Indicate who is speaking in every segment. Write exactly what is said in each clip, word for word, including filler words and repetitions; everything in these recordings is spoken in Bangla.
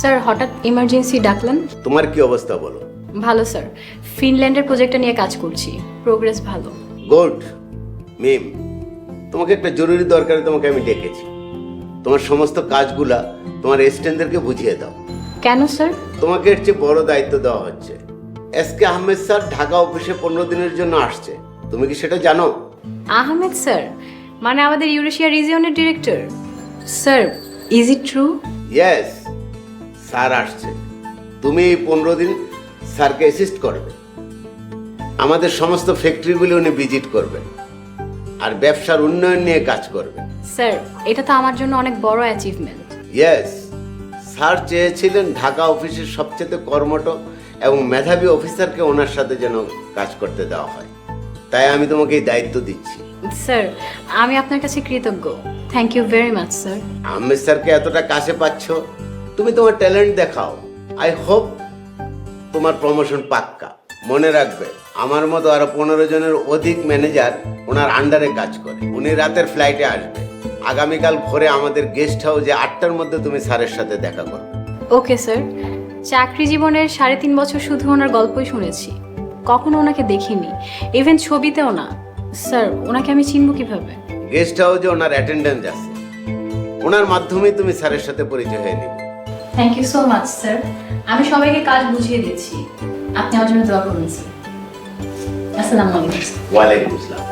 Speaker 1: স্যার হঠাৎ ইমার্জেন্সি ডাকলেন?
Speaker 2: তোমার কি অবস্থা বলো?
Speaker 1: ভালো স্যার, ফিনল্যান্ডের প্রজেক্টটা নিয়ে কাজ করছি, প্রোগ্রেস ভালো।
Speaker 2: গুড। মিম, তোমাকে একটা জরুরি দরকারে তোমাকে আমি ডেকেছি। তোমার সমস্ত কাজগুলা তোমার এসিস্ট্যান্টদেরকে বুঝিয়ে দাও।
Speaker 1: কেন স্যার?
Speaker 2: তোমাকে এর চেয়ে বড় দায়িত্ব দেওয়া হচ্ছে। S K Ahmed sir Dhaka অফিসে পনেরো দিনের জন্য আসছে, তুমি কি সেটা জানো?
Speaker 1: আহমেদ স্যার মানে আমাদের ইউরেশিয়া রিজিয়নের director? Sir is it true?
Speaker 2: Yes, sir আসছে। তুমি এই পনেরো দিন স্যারকে অ্যাসিস্ট করবে। আমাদের সমস্ত ফ্যাক্টরিগুলি উনি ভিজিট করবেন আর ব্যবসার উন্নয়ন নিয়ে কাজ করবেন।
Speaker 1: স্যার এটা তো আমার জন্য অনেক বড় অ্যাচিভমেন্ট।
Speaker 2: ইয়েস, স্যার চেয়েছিলেন ঢাকা অফিসের সবচেয়ে কর্মঠ এবং মেধাবী অফিসারকে ওনার সাথে যেন কাজ করতে দেওয়া হয়, তাই আমি তোমাকে এই দায়িত্ব দিচ্ছি।
Speaker 1: স্যার আমি আপনার কাছে কৃতজ্ঞ, thank you very much sir.
Speaker 2: Ahmed স্যারকে এতটা কাছে পাচ্ছ, তুমি তোমার ট্যালেন্ট দেখাও। আই হোপ তোমার প্রমোশন পাক্কা। মনে রাখবে, আমার মতো আরো পনেরো জনের অধিক ম্যানেজার ওনার আন্ডারে কাজ করে। উনি রাতের ফ্লাইটে আসবে। আগামীকাল ভোরে আমাদের গেস্ট হাউসে আটটার মধ্যে তুমি স্যারের সাথে দেখা করবে।
Speaker 1: Okay sir. চাকরি জীবনের সাড়ে তিন বছর শুধু ওনার গল্পই শুনেছি, কখনো ওনাকে দেখিনি, ইভেন ছবিতেও না। স্যার ওনাকে আমি চিনব কিভাবে?
Speaker 2: গেস্ট হাউসে ওনার অ্যাটেন্ডেন্স আছে, ওনার মাধ্যমেই তুমি স্যারের সাথে পরিচয় হয়ে নিবে।
Speaker 1: Thank you so much sir. আমি সবাইকে কাজ বুঝিয়ে দিচ্ছি, আপনি আমার জন্য দোয়া করুন স্যার। আসসালামু আলাইকুম।
Speaker 2: ওয়ালাইকুম আসসালাম।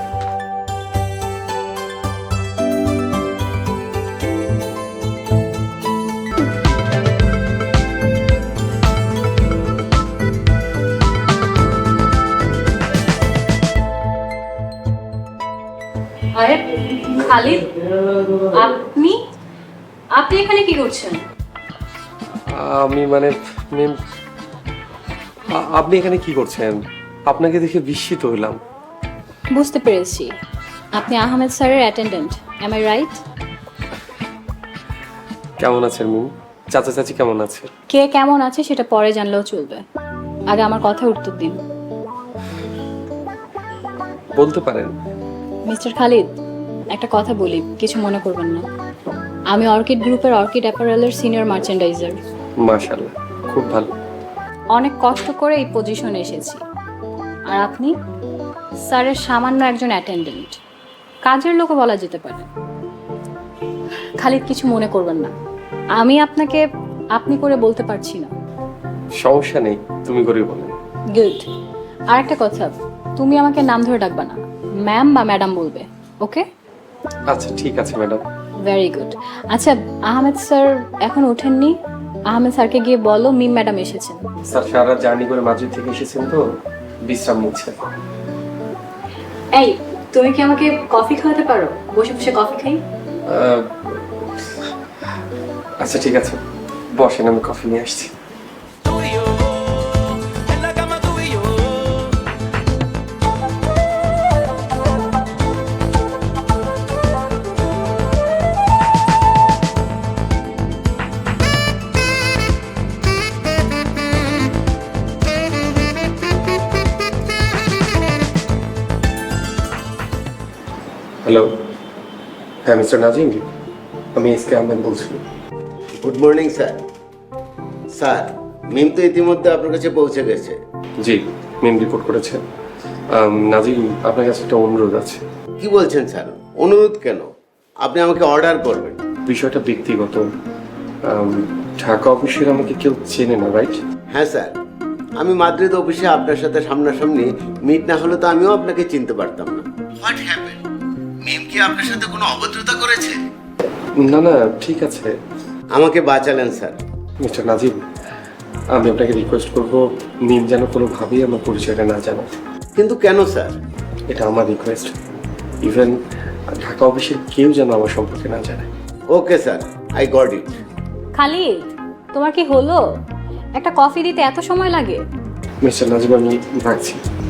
Speaker 1: আরে খালিদ, আপনি আপনি এখানে কি করছেন?
Speaker 3: আমি মানে মিম, আ- আপনি এখানে কি করছেন? আপনাকে দেখে বিস্মিত হলাম।
Speaker 1: বুঝতে পেরেছি, আপনি আহমেদ স্যারের অ্যাটেন্ডেন্ট, এম আই রাইট?
Speaker 3: কেমন আছেন মিম? চাচা চাচি কেমন আছে?
Speaker 1: কে কেমন আছে সেটা পরে জানলেও চলবে, আগে আমার কথা উত্তর দিন।
Speaker 3: বলতে পারেন।
Speaker 1: মিস্টার খালিদ, একটা কথা বলি, কিছু মনে করবেন না। আমি অর্কিড গ্রুপের অর্কিড অ্যাপারেলের সিনিয়র মার্চেন্ডাইজার।
Speaker 3: মাশাআল্লাহ, খুব ভালো।
Speaker 1: অনেক কষ্ট করে এই পজিশনে এসেছি, আর আপনি স্যারের সামান্য একজন অ্যাটেন্ডেন্ট, কাজের লোকও বলা যেতে পারে। খালিদ কিছু মনে করবেন না, আমি আপনাকে আপনি করে বলতে পারছি না।
Speaker 3: সমস্যা নেই, তুমি করে বলেন।
Speaker 1: গুড। আর একটা কথা, তুমি আমাকে নাম ধরে ডাকবা না, ম্যাম বা ম্যাডাম বলবে, ওকে?
Speaker 3: আচ্ছা ঠিক আছে ম্যাডাম।
Speaker 1: Very good. আচ্ছা আহমেদ স্যার এখন ওঠেননি? আহমেদ স্যারকে গিয়ে বলো মিম ম্যাডাম এসেছেন।
Speaker 3: স্যার সারা জার্নি করে মাদ্রিদ থেকে এসেছেন তো, বিশ্রাম নিচ্ছেন।
Speaker 1: এই তুমি কি আমাকে কফি খাওয়াতে পারো? বসে বসে কফি খাই।
Speaker 3: আহ, আচ্ছা ঠিক আছে, বসেন, আমি কফি নিয়ে আসছি। হ্যালো, হ্যাঁ মিস্টার নাজিম, আমি এস কে আহমেদ বলছি।
Speaker 2: Good morning sir. Sir, Mim তো ইতিমধ্যে আপনার কাছে পৌঁছে গেছে।
Speaker 3: জি, মিম রিপোর্ট করেছে। আম, নাজিম, আপনার কাছে একটা অনুরোধ আছে।
Speaker 2: কি বলছেন স্যার? অনুরোধ কেন? আপনি আমাকে অর্ডার করবেন।
Speaker 3: বিষয়টা ব্যক্তিগত। আম, ঢাকা অফিসের আমাকে কেউ চেনে না, রাইট?
Speaker 2: হ্যাঁ স্যার, আমি মাদ্রিদ অফিসে আপনার সাথে সামনাসামনি মিট না হলে তো আমিও আপনাকে চিনতে পারতাম না। What happen? মিম কি আপনার সাথে কোনো অভদ্রতা করেছে?
Speaker 3: না না, ঠিক আছে।
Speaker 2: আমাকে বাঁচালেন স্যার।
Speaker 3: মিস্টার নাজিম, আমি আপনাকে রিকোয়েস্ট করবো মিম যেন কোনোভাবেই আমার পরিচয়টা না জানে।
Speaker 2: কিন্তু কেন স্যার?
Speaker 3: এটা আমার রিকোয়েস্ট। ইভেন ঢাকা অফিসের কেউ যেন আমার সম্পর্কে না জানে।
Speaker 2: Okay sir, I got it.
Speaker 1: Khalid, তোমার কি হলো? একটা কফি দিতে এত সময় লাগে?
Speaker 3: মিস্টার নাজিম, আমি রাখছি।